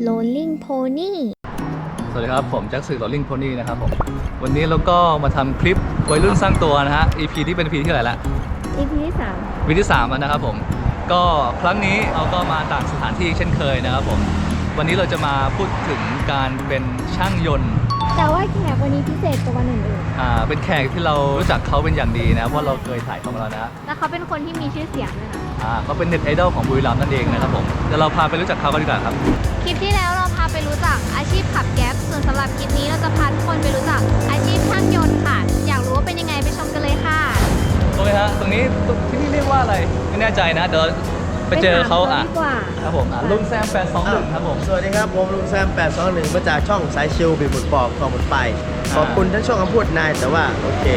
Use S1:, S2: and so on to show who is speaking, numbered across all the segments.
S1: Rolling Pony
S2: สวัสดีครับผมแจ็คสื่อ Rolling Pony นะครับผมวันนี้เราก็มาทำคลิปวัยรุ่นสร้างตัวนะฮะ EP ที่เป็น EP ที่เท่าไหร่ละ
S1: EP ที่
S2: EP ที่3แล้วนะครับผมก็ครั้งนี้เราก็มาต่างสถานที่เช่นเคยนะครับผมวันนี้เราจะมาพูดถึงการเป็นช่างยนต์
S1: แต่ว่าแขกวันนี้พิเศษกว่าวันอื่น
S2: เป็นแขกที่เรารู้จักเขาเป็นอย่างดีนะเพราะเราเคยถ่ายเขามาแล้วนะ
S1: ๆแล้วเขาเป็นคนที่มีชื่อเสียงด้วยนะ
S2: เขาเป็นเน็ตไอดอลของบุรีรัมย์นั่นเองนะครับผมเดี๋ยวเราพาไปรู้จักเขากันดีกว่าครับ
S1: คลิปที่แล้วเราพาไปรู้จักอาชีพขับแก๊ปส่วนสำหรับคลิปนี้เราจะพาทุกคนไปรู้จักอาชีพช่างยนต์ค่ะอยากรู้ว่าเป็นยังไงไปชมกันเลยค่ะ
S2: โอเคฮะตรงนี้ที่นี่เรียกว่าอะไรไม่แน่ใจนะเดี๋ยวไปเจอเขาครับผมลุงแซม821ครับผม
S3: สวัสดีครับผมลุงแซม821มาจากช่องสายชิลบีบหมุนปอกของหมุนไปขอบคุณทั้งช่องคำพูดนายแต่ว่าโอเค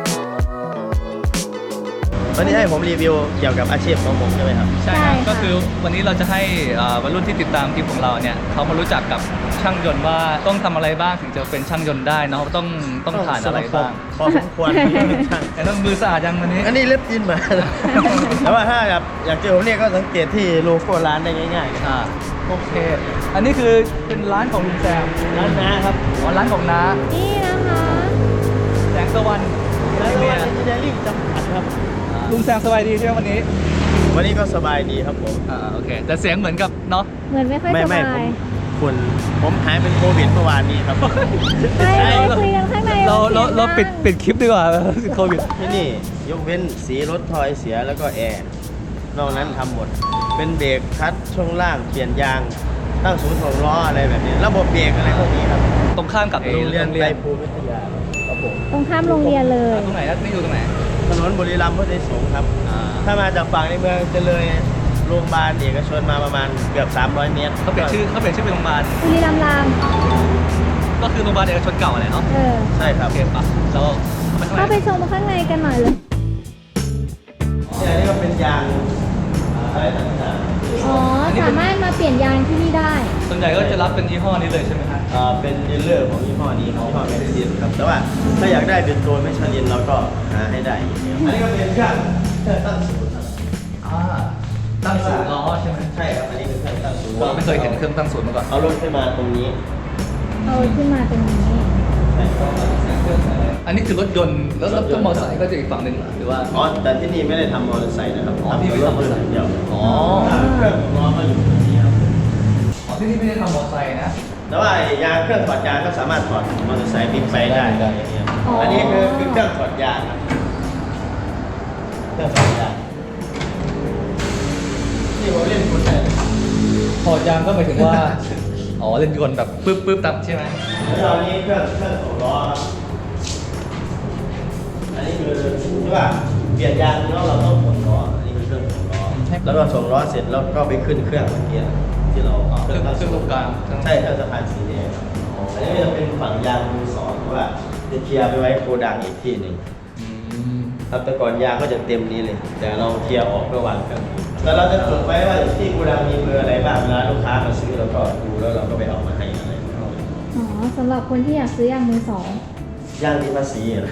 S3: วันนี้ให้ผมรีวิวเกี่ยวกับอาชีพของผมใช่ไหมครับ
S2: ใช่ครับก็คือวันนี้เราจะให้วัยรุ่นที่ติดตามคลิปของเราเนี่ยเขามารู้จักกับช่างยนต์ว่าต้องทำอะไรบ้างถึงจะเป็นช่างยนต์ได้เนาะต้องผ่านอะไรบ้าง
S3: พอสมควร
S2: แต่ต้องมือสะอาดยังวันนี้
S3: อันนี้เล็บยินมาแต่ว่าถ้าอยากเจอผมเนี่ยก็สังเกตที่โลโก้ร้านได้ง่าย
S2: โอเคอันนี้คือเป็นร้านของลุงแซม
S3: ร้านน้าครับ
S2: ร้านของน้า
S1: นี่นะคะ
S2: แสงตะวัน
S3: เนี่ยเดลิ่งจำกัดครับ
S2: ลุงแซมสบายดีใช่ไหมวัน
S3: นี้ก็สบายดีครับผม
S2: โอเคแต่เสียงเหมือนกับเนาะ
S1: เหมือนไม่ค่อยสบาย
S3: ผมหายเป็นโควิดเมื่อวานนี้ครับ
S1: ใช่คุยกันข้างใน
S2: เราปิดคลิปดีกว่าโควิด
S3: ที่นี่ยกเว้นสีรถทอยเสียแล้วก็แอร์นอกนั้นทำหมดเป็นเบรกคัดช่วงล่างเปลี่ยนยางตั้งศูนย์ของล้ออะไรแบบนี้ระบบเบรกอะไรพวกนี้ครับ
S2: ตรงข้ามกับ
S3: โรงเรียนไตรภูมิวิทยาครับผม
S1: ตรงข้ามโรงเรียนเลย
S2: ตรงไหนนี่อยู่ตรงไหน
S3: ถนนบุรีรัมย์พุทธิสงฆ์ครับถ้ามาจากฝั่งในเมืองจะเลยโรงพยาบาลเอกชนมาประมาณเกือบ300 เมตร
S2: เขาเปลี่ยนชื่อเป็นโรงพยาบาล
S1: บุรีรัมย์ราม
S2: ก็คือโรงพยาบาลเอกชนเก่าอะไรเนาะ
S3: ใช่ครับ
S2: โอเคปะเรา
S1: เข้าไปชมข้างในกันหน่อยเลย
S3: นี่ก็เป็นยางอะไรต่าง
S1: ๆอ๋อสามารถมาเปลี่ยนยางที่นี่ได้
S2: ส่วนใหญ่ก็จะรับเป็นยี่ห้อนี้เลยใช่ไหมครับ
S3: เป็นดีลเลอร์ของยี่ห้อนี้ยี่ห้อแมชลินครับแต่ว่าถ้าอยากได้เป็นตัวแมชลินเราก็หาให้ได้อันนี้ก็เป็นเครื่องตั้งศูนย์ครับ
S2: ตั้งศูนย์ล้อใช่ไหม
S3: ใช่ครับอันนี้คือเครื่องตั้งศูนย์
S2: เราไม่เคยเห็นเครื่องตั้งศูนย์มาก่อน
S3: เอารถขึ้นมาตรงนี้
S1: ใช่
S2: อันนี้คือรถยนต์แล้วรถมอเตอร์ไซค์ก็จะอีกฝั่งหนึ่งหรือว่า
S3: แต่ที่นี่ไม่ได้ทำมอเตอร์ไซค์นะครับ
S2: ที่ไม่ทำมอเตอร์ไซค์
S3: เดียวเครื่องล้อก็อยู่ตรงนี้ครับ
S2: ที่นี่ไม่ได้ทำมอเตอร์ไซค์นะ
S3: แต่ว่ายางเครื่องถอดยางก็สามารถถอดมอเตอร์ไซค์บิ๊กไบค์ได้อันนี้คือเครื่องถอดยางครับเครื่องถอดยางที่ผมเล่นคนไหน
S2: ถอดยางก็หมายถึงว่าเล่นยนต์แบบปึ๊บตับใช่ไหม
S3: แล้วอันนี้เครื่องของล้อครับอันนี้คือที่ว่าเปลี่ยนยางแล้วเราต้องถอดล้ออันนี้คือเครื่องของล้อแล้วก็ส่งล้อเสร็จแล้วก็ไปขึ้นเครื่องเมื่อกี้ที่เรา
S2: เครื่องตรงกลาง
S3: ใช่เครื่องสะพานสีแดงอันนี้จะเป็นฝั่งยางมือสองเพราะว่าจะเคลียร์ไปไว้โกดังอีกที่หนึ่งครับแต่ก่อนยางก็จะเต็มนี้เลยแต่เราเคลียร์ออกเพื่อวางเครื่องแล้วเราจะจดไว้ว่าที่โกดังมีเบอร์อะไรบ้างเวลาลูกค้ามาซื้อเราก็ดูแล้วเราก็ไปเอามาให้อะไร
S1: สำหรับคนที่อยากซื้อยางมือสอง
S3: ยางมีภาษีเหรอ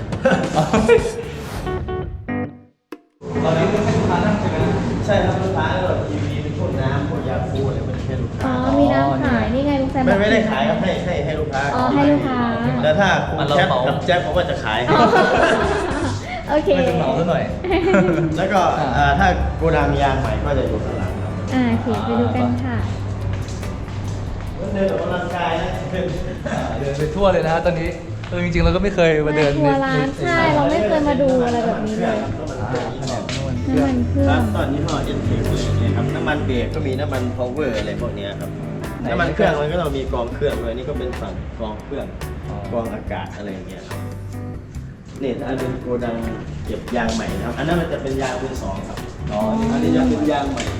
S2: ตอนนี้เป็นลูกค้านั่งใช่ไหม
S3: ใช่ครับลูกค้าเราทีวีเป็นพวกน้ำพวกยาคูอะไรมันแค่ลูกค้า
S1: มีน้ำขายนี่ไงลุงแซม
S3: ไม่ได้ขายครับให้ลูกค้า
S1: ให้ลูกค้า
S3: แล้วถ้าคุณแจ๊บกับแจ๊บผมก็จะขาย
S1: โอเค
S2: ไม่ต้องเหมาซะหน่อย
S3: แล้วก็ถ้าโกดังยางใหม่ก็จะอยู่ข้างหลังครับ
S1: โอเคไปดูกันค่ะ
S3: เดินออกกำลังกายนะ
S2: เดินไปทั่วเลยนะตอนนี้จริงๆเราก็ไม่เคยมาเดิน
S1: ทัวร์ร้านใช่เราไม่เคยมาดูอะไรแบบนี้เลยน้ำมันเครื่อง
S3: ตอนนี้ห่อเอ็นเทคอะไรอย่างเงี้ยครับน้ำมันเบรกก็มีน้ำมันพาวเวอร์อะไรพวกนี้ครับน้ำมันเครื่องมันก็เรามีกองเครื่องด้วยนี่ก็เป็นฝั่งกองเครื่องกองอากาศอะไรอย่างเงี้ยนี่อันเป็นโกดังเก็บยางใหม่นะครับอันนั้นมันจะเป็นยางมือสองครับอันนี้จะเป็นยางใหม่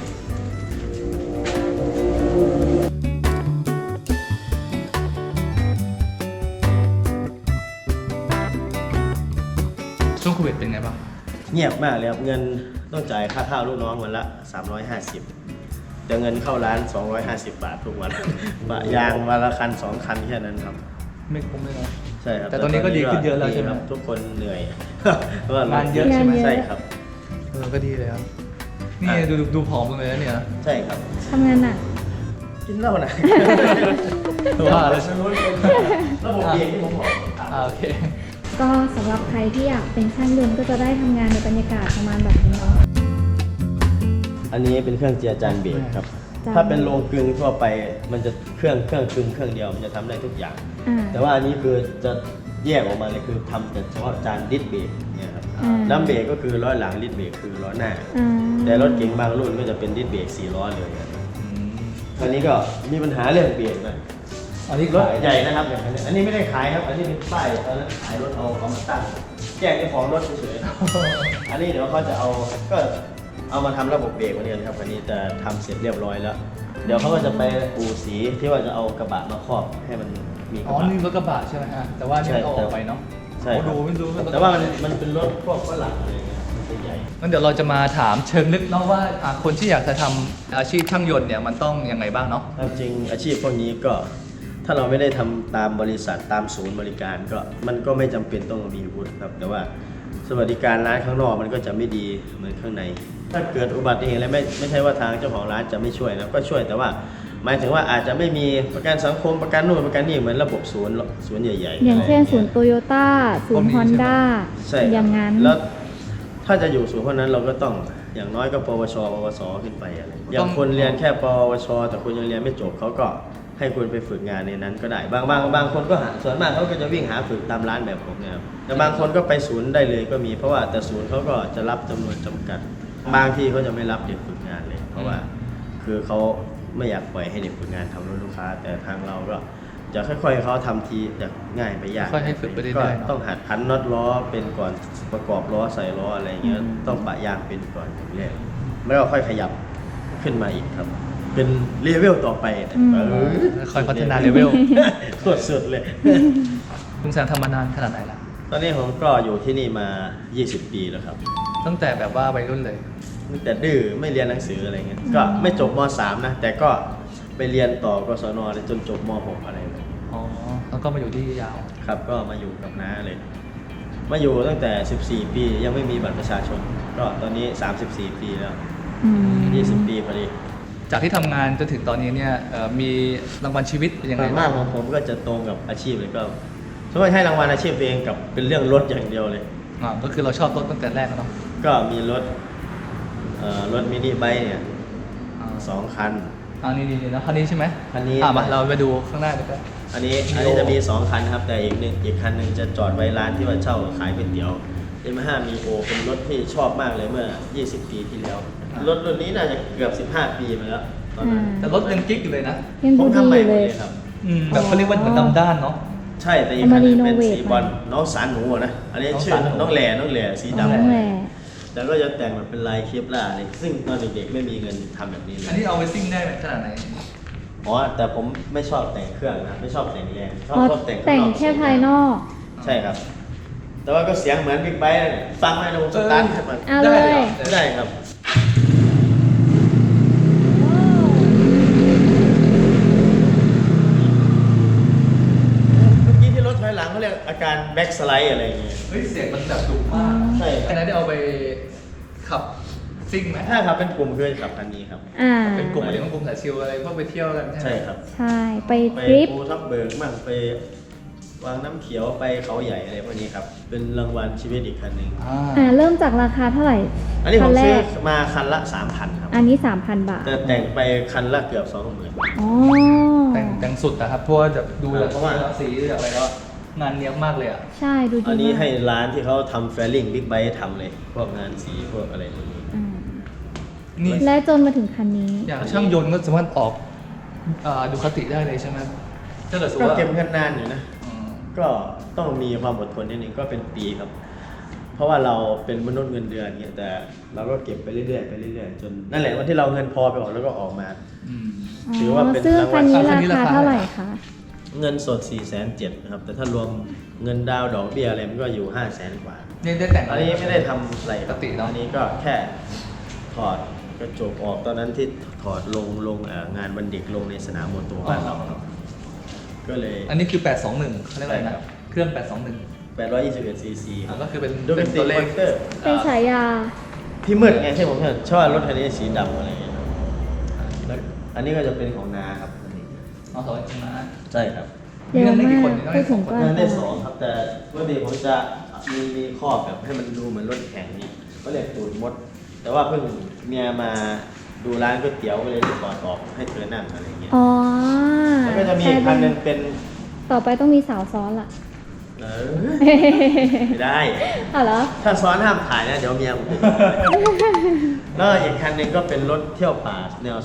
S2: ช่วงโควิดเป็นไงบ้าง
S3: เงียบมากเลยครับเงินต้องจ่ายค่าข้าวลูกน้องวันละ350แต่เงินเข้าร้าน250 บาททุกวันปะยางวันละคัน2 คันแค่นั้นครับ
S2: ไม่คุ้มเลยนะ
S3: ใช่ครับ
S2: แต่ตอนนี้ก็ดีขึ้นเยอะแล้วใช่ไหม
S3: ทุกคนเหนื่อย
S2: เพราะว่างานเยอะใช่ไหม
S3: ใช่ครับ
S2: ก็ดีเลยครับนี่ดูผอมเลยนะเนี่ย
S3: ใช่ครับ
S1: ทำงานหนัก
S3: กินเหล้านะ
S2: ว่าแล้ว
S3: ไม่รู้เป็นระบบเบรกที่ผมบอก
S2: โอเค
S1: ก็สำหรับใครที่อยากเป็นช่างยนต์ก็จะได้ทำงานในบรรยากาศประมาณแบบนี้เนาะ
S3: อันนี้เป็นเครื่องเจียจานเบรกครับ
S1: จาน
S3: ถ้าเป็นโรงกลึงทั่วไปมันจะเครื่องกลึงเครื่องเดียวมันจะทำได้ทุกอย่าง
S1: อ่า
S3: แต่ว่าอันนี้คือจะแยกออกมาเลยคือทำแต่เฉพาะจานดิสเบรกเนี่ยครับ
S1: อ่า
S3: ดัมเบรกก็คือล้อหลังดิสเบรกคือล้อหน้า
S1: อ่า
S3: แต่รถเก๋งบางรุ่นก็จะเป็นดิสเบรก4 ล้อเลยครับอันนี้ก็มีปัญหาเรื่องเบรกนะ
S2: อันนี้
S3: รถ
S2: ขาย
S3: ใหญ่นะครับอย่างนี้อันนี้ไม่ได้ขายครับ อันนี้เป็นป้ายตอนนั้นขายรถเอามาตั้งแจ้งเจ้าของรถเฉยๆ อันนี้เดี๋ยวเขาจะก็เอามาทำระบบเบรกวันนี้นะครับอันนี้จะทำเสร็จเรียบร้อยแล้ว เดี๋ยวเขาก็จะไปอู่สีที่ว่าจะเอากระบะมาครอบให้มันมีก
S2: อ๋
S3: ระ
S2: อ
S3: บะ
S2: นี่รถกระบะใช่ไหมฮะแต่ว่านี่มันเอาออกไปเนาะ
S3: ใช่
S2: โอ้ดูไม่รู้
S3: แต่ว่ามันเป็นรถพวกฝรั่งอะไรเงี้ยมันจะใหญ่
S2: งั้นเดี๋ยวเราจะมาถามเชิงลึกเนาะว่าคนที่อยากจะทำอาชีพช่างยนต์เนี่ยมันต้องยังไงบ้างเนาะ
S3: ตามจริงอาชีพพวกนี้ก็ถ้าเราไม่ได้ทำตามบริษัทตามศูนย์บริการก็มันก็ไม่จำเป็นต้องมีวุฒิครับแต่ว่าสวัสดิการร้านข้างนอกมันก็จะไม่ดีเหมือนข้างใน ถ้าเกิดอุบัติเหตุอะไรไม่ใช่ว่าทางเจ้าของร้านจะไม่ช่วยนะก็ช่วยแต่ว่าหมายถึงว่าอาจจะไม่มีประกันสังคมประกันนู่นประกันนี่เหมือนระบบศูนย์ใหญ่ๆ
S1: อย่างเช่น
S3: อะไร
S1: ศูนย์โตโยต้าศูนย์ฮอนด้า
S3: ใช่ครับ
S1: อย่างนั้น
S3: แล้วถ้าจะอยู่ศูนย์พวกนั้นเราก็ต้องอย่างน้อยก็ปวชปวสขึ้นไปอะไรอย่างคนเรียนแค่ปวชแต่คุณยังเรียนไม่จบเขาก็ให้คุณไปฝึกงานในนั้นก็ได้บางคนก็หาส่วนมากเขาก็จะวิ่งหาฝึกตามร้านแบบผมเนี่ยครับแต่บางคนก็ไปศูนย์ได้เลยก็มีเพราะว่าแต่ศูนย์เขาก็จะรับจำนวนจำกัด บางที่เขาจะไม่รับเด็กฝึกงานเลย เพราะว่าคือเขาไม่อยากปล่อยให้เด็กฝึกงานทำรถลูกค้า แต่ทางเราก็จะค่อยๆเขาทำทีจากง่ายไปยาก
S2: ค่อยให้ฝึกไปเรื่อยๆ
S3: ก็
S2: เนอะ
S3: ต้องหัดพันน็อตล้อเป็นก่อนประกอบล้อใส่ล้ออะไรเงี้ยต้องปะยางเป็นก่อนอย่างแรกแล้วก็ค่อยขยับขึ้นมาอีกครับ เป็นเลเวลต่อไป
S2: ค่อยพัฒนาเลเวล
S3: โคตรสุดเลย
S2: คุณแซมทำมานานขนาดไหนล่ะ
S3: ตอนนี้ผมก็อยู่ที่นี่มา 20 ปีแล้วครับ
S2: ตั้งแต่แบบว่าวัยรุ่นเลย
S3: ตั้งแต่ดื้อไม่เรียนหนังสืออะไรเงี้ยก็ไม่จบม .3 นะแต่ก็ไปเรียนต่อกศนเลยจนจบม .6 อะไรเลย
S2: อ๋อ แล้วก็มาอยู่ที่ยาว
S3: ครับก็มาอยู่กับน้าเลย มาอยู่ตั้งแต่ 14 ปียังไม่มีบัตรประชาชน ก็ตอนนี้ 34 ปีแล้ว
S1: อืม
S3: 20 ปีพอดี
S2: จากที่ทำงานจนถึงตอนนี้เนี่ยมีรางวัลชีวิตเป็นยัง
S3: ส่
S2: ไง
S3: วนมากของผมก็จะตรงกับอาชีพเลยก็สมมติให้รางวัลอาชีพตัวเองกับเป็นเรื่องรถอย่างเดียวเลย
S2: ก็คือเราชอบรถตั้งแต่แรกแล้วเนาะ
S3: ก็มีรถมินิไบค์เนี่ย
S2: อ่า
S3: 2 คัน
S2: นี่นะคันนี้ใช่ไหม
S3: คันนี้
S2: มาเราไปดูข้างหน้าดีกว่า
S3: อันนี้จะมี 2 คันครับ แต่อีกคันหนึ่งจะจอดไว้ร้านที่ว่าเช่าขายก๋วยเตี๋ยวYamaha Mio เป็นรถที่ชอบมากเลยเมื่อ 20 ปีที่แล้ว รถรุ่นนี้น่าจะเกือบ 15 ปีมาแล้วตอนนั้น
S2: แต่รถยังกิ๊กอยู่เลยนะ
S1: ยัง
S3: ผ
S1: ดู
S3: ม
S1: ดี
S3: ทำใหม่
S1: อยู่
S3: หม
S1: เล
S3: ด
S1: ย
S3: เลยครับ
S2: แบบเขาเรียกว่าเหมือนดำด้านเนาะ
S3: ใช่แต่อีกคันหนึงเป็น
S1: เอามา
S3: สีบอลน้องสารหนูอะนะ อันนี้ชื่อ
S2: น้
S3: น้
S2: อ
S3: อง ง
S2: สารหนู
S3: แหล่น้องแหล่สี
S1: น้อง
S3: ดำ
S1: แหละ
S3: แล้วก็จะแต่งแบบเป็นลายเคปลาร์เลยซึ่งตอนเด็กๆไม่มีเงินทำแบบนี้เล
S2: อัน
S3: ย
S2: นี้เอาไปซิ่งได้ขนาดไหน
S3: อ๋อแต่ผมไม่ชอบแต่งเครื่องนะไม่ชอบแต่งแรงชอบ
S1: อ๋อ
S3: ชอบแต่งข้าง
S1: แต่ง
S3: นอก
S1: แค่ภายนอก
S3: ใช่ครับ แต่ว่าก็เสียงเหมือนบิ๊กไบค์เลยฟังไหมนะผมสตาร์ทให้มัน
S1: เอาเลย
S3: ได้ครับ เมื่อกี้ที่รถถอยหลังเขาเรียกอาการแบ็กสไลด์อะไรอย่างเงี้ย
S2: เฮ้ยเสียงมันแบบดุมาก
S3: ใช่ครับ
S2: อันนั้นได้เอาไปขับซิ่งไหม
S3: ถ้าขับเป็นกลุ่มคือขับคันนี้ครับ
S1: อ่า
S2: เป็นกลุ่มอะไรกลุ่มสายชิลอะไรพวกไปเที่ยวกันใช่ไหม
S3: ใช่ครับ
S1: ใช่ ไป
S3: ไป
S1: ทริป
S3: ภูทับเบิกมั่งไปวางน้ำเขียวไปเขาใหญ่อะไรพวกนี้ครับ เป็นรางวัลชีวิตอีกคันหนึ่ง
S1: เริ่มจากราคาเท่าไหร่
S3: อันนี้ผ
S1: คั
S3: ม
S1: แร
S3: ซื้อก มาคันละ 3,000 ครับ
S1: อันนี้ 3,000 บาท
S3: แต่แต่งไปคันละเกือบ 20,000
S1: อ๋อ
S2: แต่งสุดนะครับเพราะว่าจะดูจาก
S3: เพราะว่า
S2: สีจากอะไรก็งานเนี้ยบมากเลยอ่ะ
S1: ใช่ ดูดี
S3: อันนี้
S1: มาก
S3: ให้ร้านที่เขาทำแฟลลิ่งบิ๊กไบค์ทำเลย พวกงานสีพวกอะไรพวกนี้
S1: อ่า
S2: นี่
S1: และจนมาถึงคันนี้
S2: อย่างช่างยนต์ก็สามารถออกดูคติได้เลยใช่ไหมถ้าเกิดสมม
S3: ก็
S2: ติว่า
S3: เก็บเงินนานอยู่นะ
S2: อืม
S3: ก็ต้องมีความอดทนนิดนึงก็เป็นปีครับ เพราะว่าเราเป็นมนุษย์เงินเดือนเนี่ยแต่เราก็เก็บไปเรื่อยๆไปเรื่อยๆจนนั่นแหละวันที่เราเงินพอไปออกแล้วก็ออกมา
S2: อืม
S3: ถือว่าเป็น
S1: ซึ่ง
S3: รางวั
S1: คั
S3: ล
S1: นนี้
S2: คันนี้
S1: รา
S2: รา
S1: คา
S2: คา
S1: เท่าไหร่คะ
S3: เงินสด 4,700,000นะครับแต่ถ้ารวมเงินดาวน์ดอกเบี้ยอะไรมันก็อยู่ 500,000 กว่า
S2: นี่ได้แต่ง
S3: อันนี้ไม่ได้ทำอะไร
S2: ปกติเนาะ
S3: อันนี้ก็แค่ถอดกระจกออกตอนนั้นที่ถอดลงงานวันเด็กลงในสนามมอเตอร์บ้านเราครับก็เลย
S2: อันนี้คือ 821เขาเรียกอะไร
S3: ใช่ครั
S2: นะ
S3: บ
S2: เครื่อง 821
S3: 821 cc
S2: ก็คือเป็น
S3: ดูเป็น
S2: ตัวเลข
S3: เตอร์
S1: เป็นฉายา
S3: ที่มืดไงที่ผมชอบรถคันนี้สีดำอะไรอย่างเงี้ยครับแล้วอันนี้ก็จะเป็นของนาครับอันนี้
S2: อ๋อสอนจริงนะ
S3: ใช่ครับ
S4: เร็ว
S2: เรื่องได้
S4: มา
S2: กี่
S4: ก
S2: คนเนี่ย
S4: พูดถึงก็
S3: งานได้2ครับแต่ปกติผมจะมีครอบแบบให้มันดูเหมือนรถแข่งนี่ก็เรียกตูดมด แต่ว่าเพิ่งเมียมาดูร้านก๋วยเตี๋ยวก็เลยได้ถอดออกให้เธอนั่งอะไรเงี้ย
S4: อ๋อ
S3: แล้วก็จะมีอีกคันหนึงเป็น
S4: ต่อไปต้องมีสาวซ้อนล่ะ
S3: ไม่ได้
S4: อ๋อเหรอ
S3: ถ้าซ้อนห้ามถ่ายนะเดี๋ยวเมียผมจะแล้วอีกคันหนึงก็เป็นรถเที่ยวป่าแนว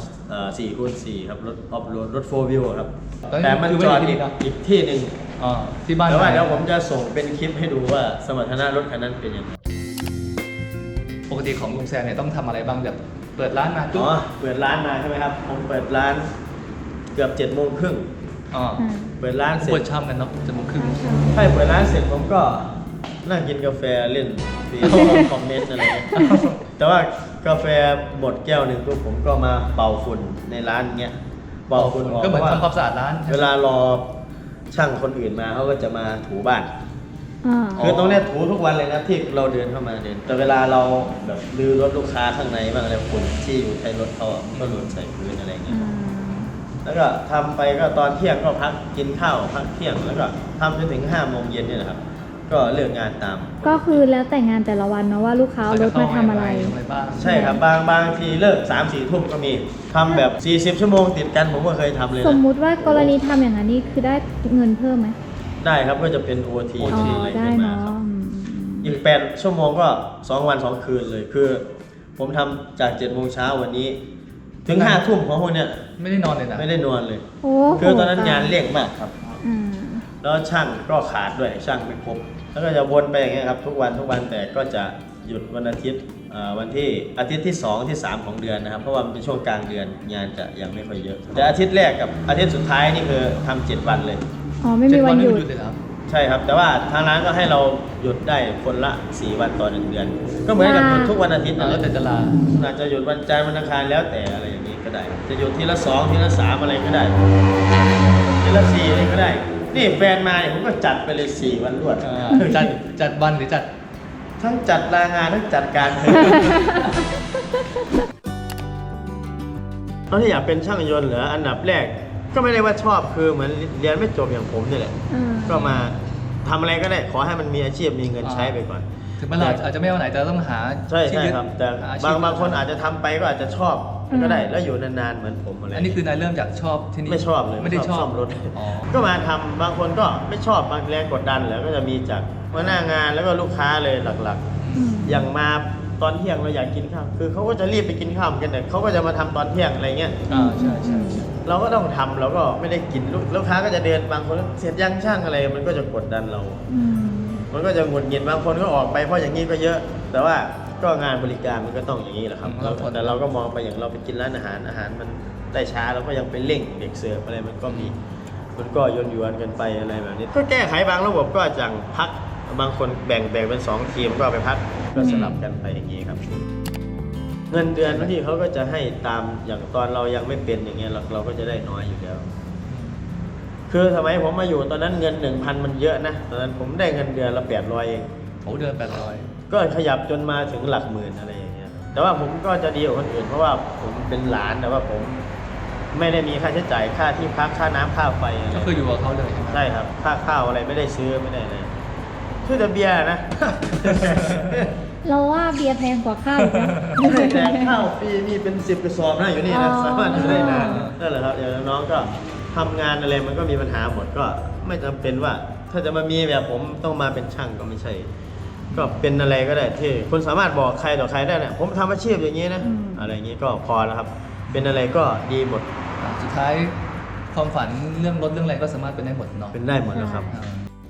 S3: 4x4 ครับรถออฟโรดรถ4 wheel ครับแต่มันจอดอีกที่หนึ่ง
S2: อ๋อที่บ้าน
S3: แต่ว่า
S2: ไหน
S3: เดี๋ยวผมจะส่งเป็นคลิปให้ดูว่าสมรรถนะรถคันนั้นเป็นยังไง
S2: ปกติของลุงแซมเนี่ยต้องทำอะไรบ้างแบบเปิดร้านมาจุ๊บ
S3: อ๋อเปิดร้านมาใช่ไหมครับผมเปิดร้านเกือบ7:30
S2: อ๋อ
S3: เปิดร้านเสร็
S2: เปิ
S3: จ
S2: ดช่ำกันเนาะจะโมงครึ่ง
S3: ใช่เปิดร้านเสร็จผมก็นั่งกินกาแฟเล่นฟีคอมเมนต์อะไรเงี้ยแต่ว่ากาแฟหมดแก้วหนึ่งปุ๊บผมก็มาเป่าฝุ่นในร้านเงี้ยเป่าฝุ่นออก
S2: ก็เหมือน
S3: พระ
S2: ทำความสะอาดร้าน
S3: เวลารอช่างคนอื่นมาเขาก็จะมาถูบ้าน
S4: อ่า
S3: คือตรงเนี้ยถูทุกวันเลยนะที่เราเดินเข้ามาเดิน แต่เวลาเราแบบลื้อรถลูกค้าข้างในบ้างอะไรฝุ่นที่อยู่ในรถเขาอะมันก็หล่นใส่พื้นอะไรเงี้ย แล้วก็ทำไปก็ตอนเที่ยงก็พักกินข้าวพักเที่ยงแล้วก็ทำจนถึง5 โมงเย็นเนี่ยนะครับ ก็เลิกงานตาม
S4: ก็คือแล้วแต่งานแต่ละวันเนาะว่าลูกค้าเอารถมาทำอะไร
S2: บ้าง
S3: ใช่ครับบางทีเลิก3-4 ทุ่มก็มีทำแบบ40 ชั่วโมงติดกันผมก็เคยทำเลย
S4: สม
S3: นะ
S4: มุติว่ากรณีทำอย่างนั้นนี่คือได้เงินเพิ่มไหม
S3: ได้ครับก็จะเป็น OT
S4: อ๋อ
S3: อะไร
S4: ได้
S3: ขึ้นมา
S4: เนาะ
S3: ครับ
S4: อืม
S3: อีก8 ชั่วโมงก็ 2 วัน 2 คืนเลยคือ ผมทำจาก7 โมงเช้าวันนี้ ถึง5 ทุ่มของพวกเนี้ย
S2: ไม่ได้นอนเลยนะ
S3: ไม่ได้นอนเลย
S4: โอ้
S3: คือตอนนั้นงานเร่งมากครับ
S4: อืม
S3: แล้วช่างก็ขาดด้วยช่างไม่ครบแล้วก็จะวนไปอย่างเงี้ยครับทุกวันแต่ก็จะหยุดวันอาทิตย์วันที่อาทิตย์ที่2ที่3ของเดือนนะครับเพราะว่ามันเป็นช่วงกลางเดือนงานจะยังไม่ค่อยเยอะ แต่อาทิตย์แรกกับอาทิตย์สุดท้ายนี่คือทำ7 วันเลย
S4: อ๋อไม่มีวันหยุด
S2: 7 เลยครับ
S3: ใช่ครับแต่ว่าทางร้านก็ให้เราหยุดได้คนละ4 วันต่อ1 เดือน ก็เหมือนกับหยุดทุกวันอาทิตย์
S2: แล้ว
S3: นั่นแห
S2: แต่
S3: ละ
S2: จะลา
S3: อาจจะหยุดวันจันทร์วันอังคารแล้วแต่อะไรอย่างนี้ก็ได้ จะหยุดทีละ2ทีละ3อะไรก็ได้ทีละ4อะไรก็ได้นี่แฟนมาเนี่ยผมก็จัดไปเลย4 วันรวด
S2: จัดวันหรือจัด
S3: ทั้งจัดลางานทั้งจัดการตอนที่อยากเป็นช่างยนต์เหรออันดับแรกก็ไม่ได้ว่าชอบคือเหมือนเรียนไม่จบอย่างผมนี่แหละ
S4: อืม
S3: ก็มาทำอะไรก็ได้ขอให้มันมีอาชีพมีเงินใช้ไปก่อน
S2: ถึงแม้เราอาจจะไม่เอาไหนแต่ต้องหา
S3: ใช่
S2: ที่
S3: ใช่
S2: ยึด
S3: ครับ แต่
S2: หชีพ
S3: บางคนอาจจะทำไปก็อาจจะชอบก็ได้แล้วอยู่นานๆเหมือนผมอะไร
S2: อันนี้คือนายเริ่มจากชอบที่นี่
S3: ไม่ชอบเลย
S2: ไม่ได้ชอบ
S3: ซ่อมรถ
S2: อ๋อ
S3: ก็มาทำบางคนก็ไม่ชอบบางแรงกดดันแล้วก็จะมีจากหัวหน้างานแล้วก็ลูกค้าเลยหลักๆ
S4: อืม
S3: อย่างมาตอนเที่ยงเราอยากกินข้าว คือเขาก็จะรีบไปกินข้าวกันแต่เขาก็จะมาทำตอนเที่ยงอะไรเงี้ย
S2: ใช่ใช่
S3: เราก็ต้องทำเราก็ไม่ได้กินลูกค้าก็จะเดินบางคนเสร็จยังช่างอะไรมันก็จะกดดันเรา
S4: อืม
S3: มันก็จะหงุดหงิดบางคนก็ออกไปเพราะอย่างนี้ก็เยอะ แต่ว่าก็งานบริการมันก็ต้องอย่างนี้แหละครับแต่เราก็มองไปอย่างเราไปกินร้านอาหารมันได้ช้าเราก็ยังไปเร่งเด็กเสิร์ฟอะไรมันก็มีมันก็ยวนกันไปอะไรแบบนี้ก็แก้ไขบางระบบก็จังพักบางคนแบ่งเป็น2 ทีมก็เอาไปพักก็สลับกันไปอย่างนี้ครับ เงินเดือนบางทีเขาก็จะให้ตามอย่างตอนเรายังไม่เป็นอย่างเงี้ยเราก็จะได้น้อยอยู่แล้ว คือสมัยผมมาอยู่ตอนนั้นเงิน 1,000 มันเยอะนะตอนนั้นผมได้เงินเดือนละ800เอง
S2: โอ้เดือน800
S3: ก็ขยับจนมาถึงหลักหมื่นอะไรอย่างเงี้ยแต่ว่าผมก็จะดีกว่าคนอื่นเพราะว่าผมเป็นหลานแต่ว่าผมไม่ได้มีค่าใช้จ่ายค่าที่พักค่าน้ำค่าไฟอะไร
S2: ก็คืออยู่กับเขาเลยใช่ไหม
S3: ใช่ครับค่าข้าวอะไรไม่ได้ซื้อไม่ได้เลยคือแต่เบียร์นะ
S4: เราว่าเบียร์แพงกว่าข้าวอีกนะ
S3: แต่ข้าวฟรีมีเป็น10 กระสอบนะอยู่นี่นะ
S4: อ๋อ
S3: สามารถอยู่ได้นานนั่นแหละครับอย่างน้องก็ทำงานอะไรมันก็มีปัญหาหมดก็ไม่จำเป็นว่า ถ้าจะมามีแบบผมต้องมาเป็นช่างก็ไม่ใช่ ก็เป็นอะไรก็ได้ที่คุณสามารถบอกใครต่อใครได้เนี่ยผมทำอาชีพอย่างนี้นะอะไรอย่างนี้ก็พอแล้วครับ เป็นอะไรก็ดีหมด
S2: สุดท้ายความฝันเรื่องรถเรื่องอะไรก็สามารถเป็นได้หมดเนาะ
S3: เป็นได้หมดแล้วครับ
S2: อ่า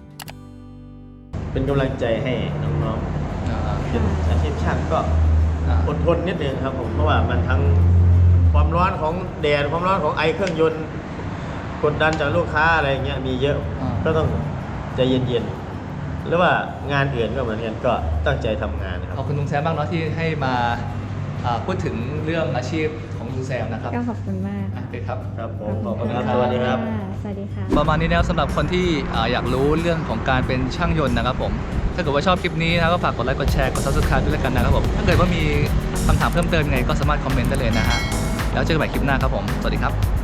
S3: เป็นกำลังใจให้น้องๆเป็นอาชีพช่างก็
S2: อ่า
S3: อดทนนิดนึงครับผมเพราะว่ามันทั้งความร้อนของแดดความร้อนของไอเครื่องยนต์กดดันจากลูกค้าอะไรอย่างเงี้ยมีเยอะก็ต้องใจเย็นๆหรือว่างานอื่นก็เหมือนกันก็ตั้งใจทำงานนะค
S2: ข
S3: รั
S2: อบบ คุณลุงแซมบ้างเนาะที่ให้มาพูดถึงเรื่องอาชีพของลุงแซมนะครับ
S4: ก็ขอบคุณมาก
S2: โอเคครับ
S3: ครับผมขอบคุณครับสวัสดีครับ
S4: สวัสดีค่ะ
S2: ประมาณนี้แล้วสำหรับคนที่อยากรู้เรื่องของการเป็นช่างยนต์นะครับผมถ้าเกิดว่าชอบคลิปนี้นะก็ฝากกดไลค์กดแชร์กด subscribe ด้วยแล้วกันนะครับผมถ้าเกิดว่ามีคำถามเพิ่มเติมยังไงก็สามารถคอมเมนต์ได้เลยนะฮะแล้วเจอกันใหม่คลิปหน้าครับผม สวัสดีครับ